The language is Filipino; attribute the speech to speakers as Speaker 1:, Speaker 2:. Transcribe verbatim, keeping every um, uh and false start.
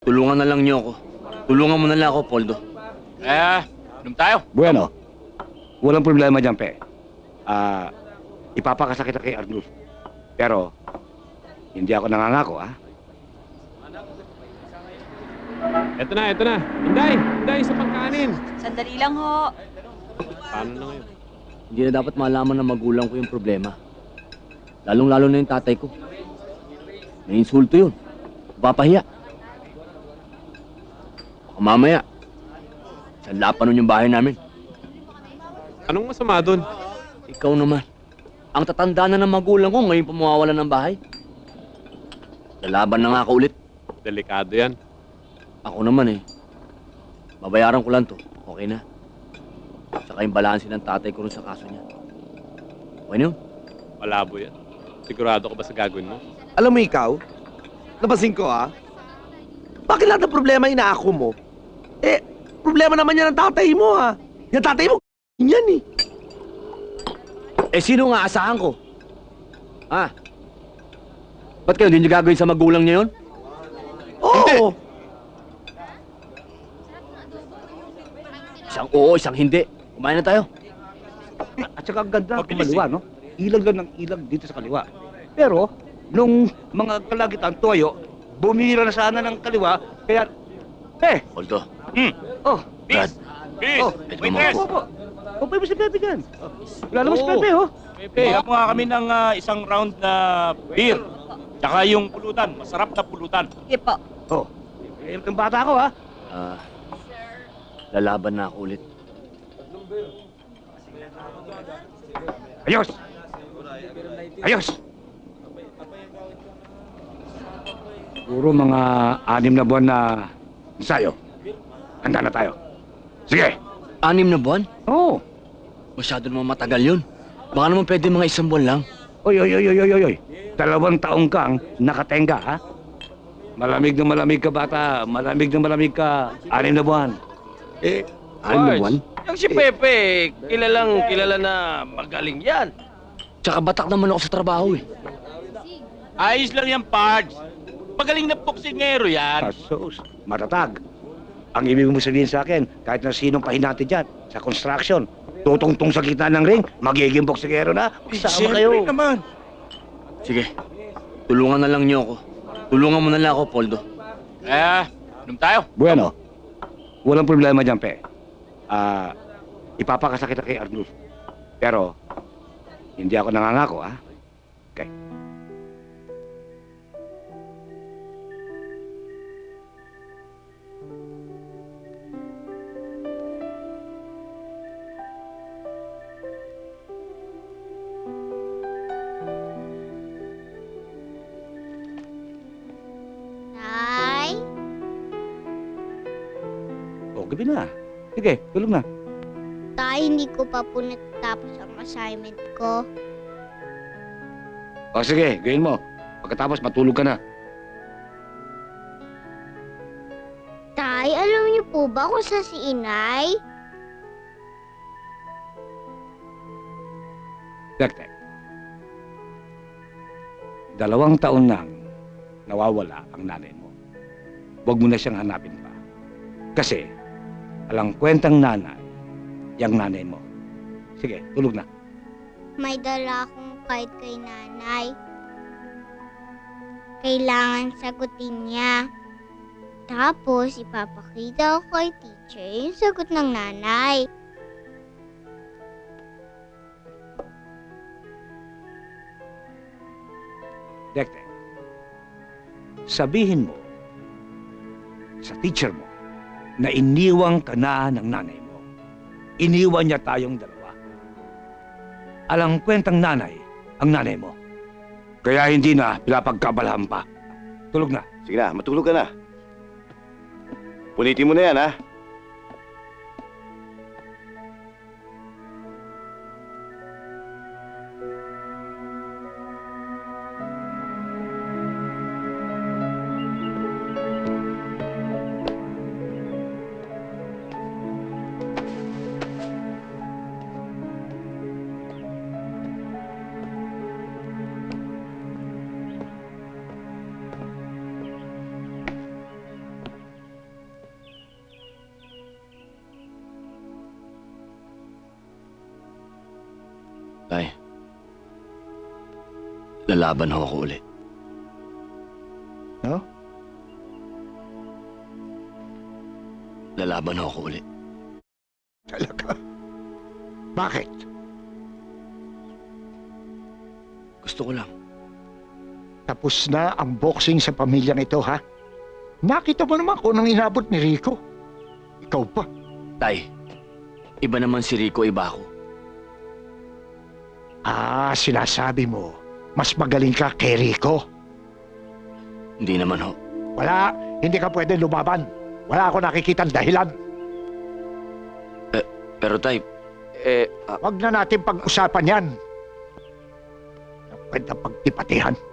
Speaker 1: Tulungan na lang niyo ako. Tulungan mo na lang ako, Poldo.
Speaker 2: Eh, inom tayo.
Speaker 3: Bueno, walang problema dyan, pe. Ah, ipapakasakit kay Arnulfo. Pero, hindi ako nangangako, ha?
Speaker 4: Eto na, eto na. Inday, Inday, sa pagkanin.
Speaker 5: Sandali lang ho.
Speaker 4: Paano na ngayon?
Speaker 1: Hindi na dapat malaman ng magulang ko yung problema. Lalong-lalo na yung tatay ko. May insulto yun. Papahiya. Baka mamaya, sanla pa nun yung bahay namin.
Speaker 4: Anong masama doon?
Speaker 1: Ikaw naman. Ang tatanda na ng magulang ko ngayon pa mawawalan ng bahay. Lalaban na nga ako ulit.
Speaker 4: Delikado yan.
Speaker 1: Ako naman eh. Babayaran ko lang to. Okay na. Tsaka yung balanse ng tatay ko rin sa kaso niya. Okay na yun?
Speaker 4: Malabo yan. Sigurado ka ba sa gagawin mo?
Speaker 6: Alam mo ikaw, napansin ko ha, bakit lahat ng problema inaako mo? Eh, problema naman yan ng tatay mo ha. Yung tatay mo, yan eh.
Speaker 1: Eh, sino nga asahan ko? Ha? Ba't kayo hindi niyo gagawin sa magulang niya yun?
Speaker 6: Oo.
Speaker 1: Isang oo, isang hindi. Kumain na tayo.
Speaker 3: At saka ang ganda ng kaliwa, no? Ilag lang ng ilag dito sa kaliwa. Pero, nung mga kalagitan toyo, bumira na sana ng kaliwa, kaya... Eh!
Speaker 1: Poldo.
Speaker 3: Hmm. Oh!
Speaker 1: Brad.
Speaker 2: Bis!
Speaker 3: Oh!
Speaker 2: Witness!
Speaker 3: Opo, opo. Opo, mo si Pepe dyan. Wala naman si Pepe, oh.
Speaker 2: Pepe, mo nga kami ng ah, isang round na beer. Tsaka yung pulutan, masarap na pulutan.
Speaker 5: Sige po.
Speaker 3: Oh. Eh, yung bata ko, ha?
Speaker 1: Ah, lalaban na ako ulit.
Speaker 3: Ayos! Ayos! Puro mga anim na buwan na ensayo. Handa na tayo. Sige!
Speaker 1: Anim na buwan?
Speaker 3: Oo! Oh.
Speaker 1: Masyado naman matagal yun. Baka naman pwede mga isang buwan lang.
Speaker 3: Oy, oy, oy, oy, oy, oy. Dalawang taong kang nakatenga, ha? Malamig na malamig ka, bata. Malamig na malamig ka. Anim na buwan.
Speaker 6: Eh,
Speaker 1: Anim na buwan?
Speaker 2: Yung si Pepe, kilalang kilala na magaling yan.
Speaker 1: Tsaka batak naman ako sa trabaho eh.
Speaker 2: Ayos lang yan, Pards. Magaling na boksingero yan.
Speaker 3: Asos, matatag. Ang ibig mo sabihin sa akin, kahit na sinong pahinati dyan, sa construction, tutungtong sa gitna ng ring, magiging boksingero na. Magsama kayo.
Speaker 2: naman.
Speaker 1: Sige, tulungan na lang niyo ako. Tulungan mo na lang ako, Poldo.
Speaker 2: Eh, inom tayo.
Speaker 3: Bueno, walang problema dyan, pe. Ah, ipapakasakit kay Arnulfo. Pero, hindi ako nangangako, ha? Okay.
Speaker 7: Nay?
Speaker 3: O, gabi na. Sige, tulog na.
Speaker 7: Tay, hindi ko pa po natatapos ang assignment ko.
Speaker 3: O, sige, gawin mo. Pagkatapos, matulog ka na.
Speaker 7: Tay, alam niyo po ba kung saan si Inay?
Speaker 3: Tek-tek. Dalawang taon nang nawawala ang nanay mo. Huwag mo na siyang hanapin pa. Kasi, alang kwentang nanay, yung nanay mo. Sige, tulog na.
Speaker 7: May dala akong card kay nanay. Kailangan sagutin niya. Tapos, ipapakita ko kay teacher yung sagot ng nanay.
Speaker 3: Tek-tek. Sabihin mo sa teacher mo na iniwang ka na ng nanay mo. Iniwan niya tayong dalawa. Alang kwentang nanay ang nanay mo. Kaya hindi na pinapagkabalahan pa. Tulog na.
Speaker 8: Sige na, matulog ka na. Punitin mo na yan, ha?
Speaker 1: Lalaban ho ako ulit.
Speaker 5: No?
Speaker 1: Lalaban ho ako ulit.
Speaker 5: Talaga? Bakit?
Speaker 1: Gusto ko lang.
Speaker 5: Tapos na ang boxing sa pamilyang ito, ha? Nakita mo naman kung anong inabot ni Rico. Ikaw pa.
Speaker 1: Tay, iba naman si Rico, iba ako.
Speaker 5: Ah, sinasabi mo, mas magaling ka kay Rico.
Speaker 1: Hindi naman ho.
Speaker 5: Wala, hindi ka pwede lumaban. Wala ako nakikitang dahilan.
Speaker 1: Pero tay, eh, ah,
Speaker 5: Huwag na natin pag-usapan yan. Pwede pagtipatihan.